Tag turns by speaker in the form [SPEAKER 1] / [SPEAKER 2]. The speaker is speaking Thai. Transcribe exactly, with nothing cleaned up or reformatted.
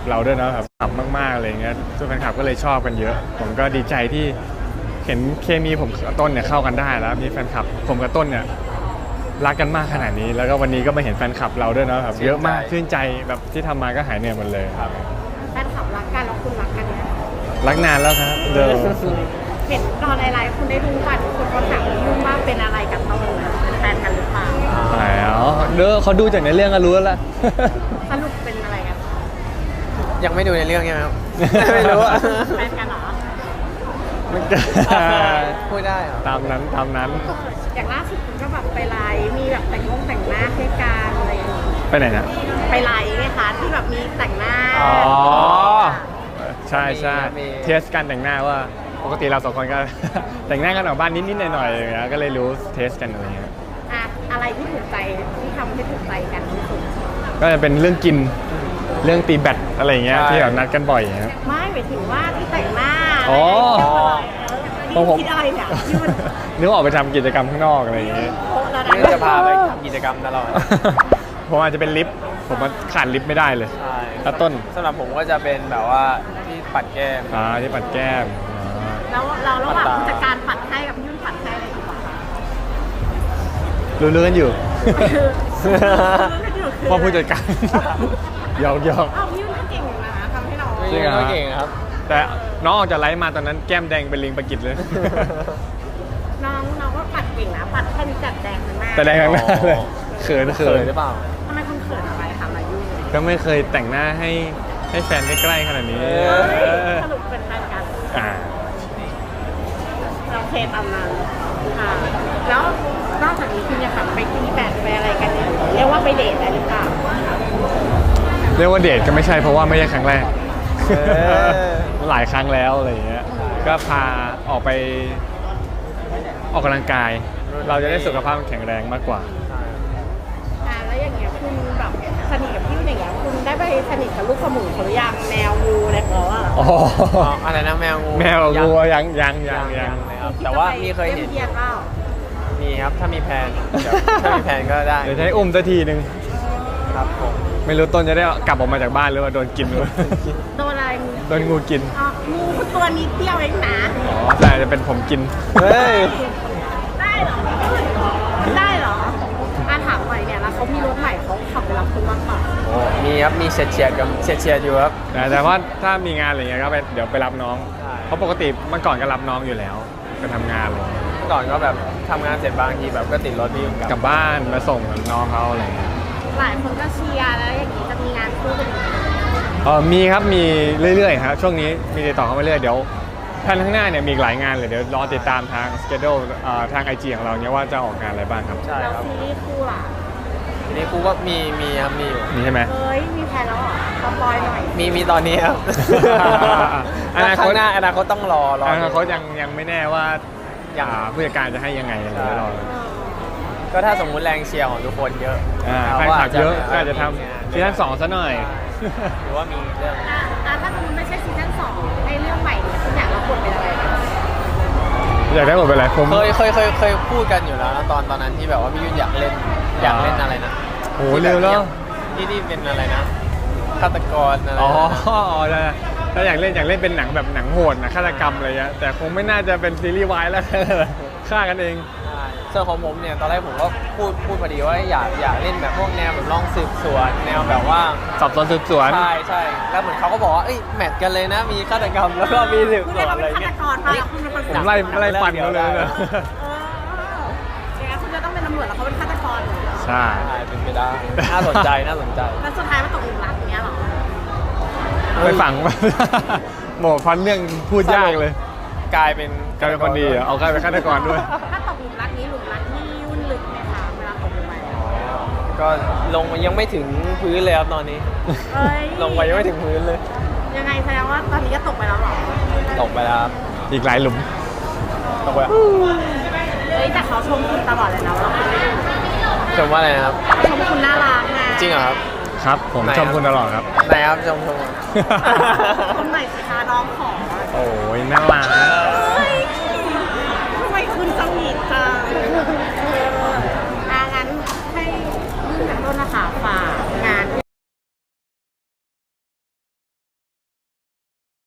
[SPEAKER 1] เราด้วยนะแบบขับมากๆอะไรเงี้ยทุกแฟนคลับก็เลยชอบกันเยอะผมก็ดีใจที่เห็นเคมีผมกับต้นเนี่ยเข้ากันได้แล้วมีแฟนคลับผมกับต้นเนี่ยรักกันมากขนาดนี้แล้วก็วันนี้ก็มาเห็นแฟนคลับเราด้วยนะแบบเยอะมากชื่นใจแบบที่ทำมาก็หายเหนื่อยหมดเลยครับ
[SPEAKER 2] แฟนคลับรักกันแล้วคุณรักกันเนี่ย
[SPEAKER 1] รักนานแล้วครับเดิม
[SPEAKER 2] เห็นตอนไลฟ์คุณได้ดูป่ะคุณเขาถามยุ่งว่าเป็นอะไรกับต้นเป็นแฟนกันหรือเปล่า
[SPEAKER 1] อ๋อเด้อเขาดูจากในเรื่องก็รู้แล้วล่ะ
[SPEAKER 2] สรุปเป็นอะไรกัน
[SPEAKER 3] ยังไม่ดูในเรื่องใช่ไหมครับไม่รู้อะ
[SPEAKER 2] แฟนกันเหรอ
[SPEAKER 1] มัน
[SPEAKER 3] พูดได้เหรอ
[SPEAKER 1] ตามนั้นตามนั้น
[SPEAKER 2] อย่างล่าสุดคุณก็แบบไปไลฟ์มีแบบแต่งงงแต่งหน้าให้กันอะไรอย่างงี้
[SPEAKER 1] ไปไหนนะ
[SPEAKER 2] ไปไลฟ์ไงคะที่แบบมีแต่งหน้า
[SPEAKER 1] อ๋อใช่ใช่เทสการแต่งหน้าว่าปกติเราสองคนก็แต่งหน้ากันออกบ้านนิดๆหน่อยๆอย่างเงี้ยก็เลยรู้เทสกันอะไรเงี้ย
[SPEAKER 2] อะอะไรที่ถูกใจที่ทำให้ถูกใจกันที่สุด
[SPEAKER 1] ก็จะเป็นเรื่องกินเรื่องตีแบตอะไรเงี้ยที่แบบนัดกันบ่อยครับ
[SPEAKER 2] ไม่หมายถึงว่าที่แต่งหน้า
[SPEAKER 1] อ๋อ
[SPEAKER 2] ที่คิดอะไรเนี่ย
[SPEAKER 1] นึกออกไปทำกิจกรรมข้างนอกอะไรอย่างเงี้ย
[SPEAKER 3] นี่จะพาไปทำกิจกรรมตลอด
[SPEAKER 1] ผมอาจจะเป็นลิฟต์ผมขาดลิฟต์ไม่ได้เลย
[SPEAKER 3] ใช่
[SPEAKER 1] แล้วต้น
[SPEAKER 3] สำหรับผมก็จะเป็นแบบว่าที่ปัดแก้ม
[SPEAKER 1] อ่าที่ปัดแก้ม
[SPEAKER 2] แล้วเราระหว่างผู้จัดการปัดให้กับยุ่นปัดให้อะไรดีกว่า
[SPEAKER 1] รู้เรื่องกันอยู่ว่าผู้จัดการยอกยอก
[SPEAKER 2] อ้าวยุ่นก็เก่งนะทำให้เรา
[SPEAKER 1] จริงเหรอ
[SPEAKER 3] เก่งครับ
[SPEAKER 1] แต่น้องออกจากไลฟ์มาตอนนั้นแก้มแดงเป็นลิงปะกิดเลย
[SPEAKER 2] น้องน้องก็ปัดเก่งนะปัดแค่นี้จัดแดงข้างหน้า
[SPEAKER 1] แต่แดงข้างหน้าเลยเขินเขิน
[SPEAKER 3] หรือเปล่า
[SPEAKER 2] ทำไมคุณเขินอะไรคะมายุ่น
[SPEAKER 1] ก็ไม่เคยแต่งหน้าให้ให้แฟนใกล้ๆขนาดนี้
[SPEAKER 2] สรุปเป็นแฟนกัน
[SPEAKER 1] อ่า
[SPEAKER 2] เราเคตามนั้นค่ะแล้วนอกจากนี้คุณยังแบบไปกินแบดไปอะไรกันเนี่ยเรียกว่าไปเดทอะไรหรือเปล่า
[SPEAKER 1] เรียกว่าเดทก็ไม่ใช่เพราะว่าไม่ใช่ครั้งแรกหลายครั้งแล้วอะไรอย่างเงี้ยก็พาออกไปออกกำลังกายเราจะได้สุขภาพแข็งแรงมากกว่า
[SPEAKER 2] อ่าแล้วอย่างเงี้ยคุณแบบสนิทกับพี่อย่างเงี้ยคุณได้ไปสนิทกับลูกสมุนเขาหรือยังแมวงูอะไรเขาอะ
[SPEAKER 1] อ๋อ
[SPEAKER 3] อะไรนะแมวงู
[SPEAKER 1] แมวงูยังยังยังยัง
[SPEAKER 3] ครับแต่ว่ามีเคยเห็นมีครับถ้ามีแผนถ้ามีแผนก็ได้
[SPEAKER 1] เดี๋ยวให้อุ้มสักทีนึง
[SPEAKER 3] ครับผม
[SPEAKER 1] ไม่รู้ต้นจะได้กลับออกมาจากบ้านหรือว่าโดนกินหรือ
[SPEAKER 2] โดนอะไร
[SPEAKER 1] โดนงูกิน
[SPEAKER 2] อ๋องูตัวนี้เตี้ยวเองนะ
[SPEAKER 1] อ๋อแต่จะเป็นผมกิน
[SPEAKER 3] เฮ้ย
[SPEAKER 2] ได้เหรอได้เหรออาถามหน่อยเนี่ยแล้วเขามีรถใหม่เขาขับไปรับคุณบ้างเปล่า
[SPEAKER 3] โอ้มีครับมีเฉียดเฉียดกับเฉียดเฉียดอยู่ครับ
[SPEAKER 1] แต่ว่าถ้ามีงานอะไรเงี้ยก็ไปเดี๋ยวไปรับน้องเพราะปกติเมื่อก่อนก็รับน้องอยู่แล้วไปทำงานอะไรเงี้ย
[SPEAKER 3] เมื่อก่อนก็แบบทำงานเสร็จบางทีแบบก็ติดรถวิ่ง
[SPEAKER 1] กลับบ้านมาส่งน้องเขาอะไรเงี้ย
[SPEAKER 2] หลายคนก็เชียร์แล้วอย่างนี้จะมีงานคู่กัน
[SPEAKER 1] เออมีครับมีเรื่อยๆครับช่วงนี้มีติดต่อเข้ามาเรื่อยเดี๋ยวแผนข้างหน้าเนี่ยมีหลายงานเลยเดี๋ยวรอติดตามทางสเกดูทางไอจีของเราเนี่ยว่าจะออกงานอะไรบ้างครับ
[SPEAKER 3] ใช่ครับ
[SPEAKER 2] ซีรีส์คู่ล่ะ
[SPEAKER 3] ซีรีส์คู่ก็มีมีครับมีอยู่
[SPEAKER 1] มีใช่ไหม
[SPEAKER 2] เฮ้ยมีแผนแล้วเหรอสปอยหน่อย
[SPEAKER 3] มีมีตอนนี้ครับอนาคตหน้าอนาคตต้องรอรอ
[SPEAKER 1] อนาคตยังยังไม่แน่ว่าอย่างผู้จัดการจะให้ยังไงอะไรรอ
[SPEAKER 3] ก็ถ้าสมมุติแรงเชียร์ของทุกคนเยอะ
[SPEAKER 1] แฟนคลับเยอะก็จะทำซีซั่นสองซะหน่อย
[SPEAKER 3] หรือว่ามีเรื่อง
[SPEAKER 2] ถ้าสมมติไม่ใช่ซีซั่นสองไอ้เรื่องใหม่เนี่ยคุณอยากรับบทเป็นอะไร
[SPEAKER 1] อยากได้บทเป็นอะไรผม
[SPEAKER 3] เคยเคยเคยเคยพูดกันอยู่แล้วตอนตอนนั้นที่แบบว่าพี่ยุ่นอยากเล่นอยากเล่นอะไรนะ
[SPEAKER 1] โอ้เร็วแล้ว
[SPEAKER 3] ที่ที่เป็นอะไรนะฆาตกรอะไร
[SPEAKER 1] อ๋อถ้าอยากเล่นอยากเล่นเป็นหนังแบบหนังโหดนะฆาตกรรมอะไรเงี้ยแต่คงไม่น่าจะเป็นซีรีส์วายแล้วฆ่ากันเอง
[SPEAKER 3] ส่วนของผมเนี่ยตอนแรกผมก็พูดพูดพอดีว่าอยากอยากเล่นแบบพวกแนวแบบลองสืบสวนแนวแบบว่า
[SPEAKER 1] สอบสวนสืบสวน
[SPEAKER 3] ใช่ใช่แล้วเหมือนเขาก็บอกว่าเอ้ยแมทกันเลยนะมีฆาตกรรมแล้วก็มีสืบสวนอะไรเงี้ย
[SPEAKER 1] ผมไล่ไล่ฟันเขาเลยนะ
[SPEAKER 2] คุณจะต้องเป็นตำรวจแล้วเขาเป็นฆาตกร
[SPEAKER 1] ใช่
[SPEAKER 3] เป็นไปได้น่าสนใจน่าสนใจ
[SPEAKER 2] แล้วสุดท้ายมันตกหลุมรักอย่างเงี้ยหรอ
[SPEAKER 1] ไปฝังหมอฟันเรื่องพูดยากเลย
[SPEAKER 3] กลายเป็น
[SPEAKER 1] กลายเป็นคนดีเหรอเอากลายเป็นฆาตกรด้วย
[SPEAKER 2] ถ้าตกหลุมรักนี้หลุมรักนี่ยุ่นลึกไหมคะเวลาตกลงไป
[SPEAKER 3] ก็ลงยังไม่ถึงพื้นเลยครับตอนนี้ลงไปยังไม่ถึงพื้นเลย
[SPEAKER 2] ยังไงแสดงว่าตอนนี้ก็ตกไปแล้วหรอ
[SPEAKER 3] ตกไปแล้วครับ
[SPEAKER 1] อีกหลายหลุม
[SPEAKER 3] ตกไป
[SPEAKER 2] เฮ้ยแต่เขาชมคุณตลอดเลยนะว่าคุณไม่ดู
[SPEAKER 3] ชมว่าอะไรนะครับ
[SPEAKER 2] ชมคุณน่ารักไง
[SPEAKER 3] จริงเหรอครับ
[SPEAKER 1] ครับผมชมคุณตลอดครับ
[SPEAKER 3] ไหนครับชมชม
[SPEAKER 2] คนใหม่สิคะน้องขอ
[SPEAKER 1] โอ้ยน่ารัก
[SPEAKER 2] ทำไมคุณสวีทจัง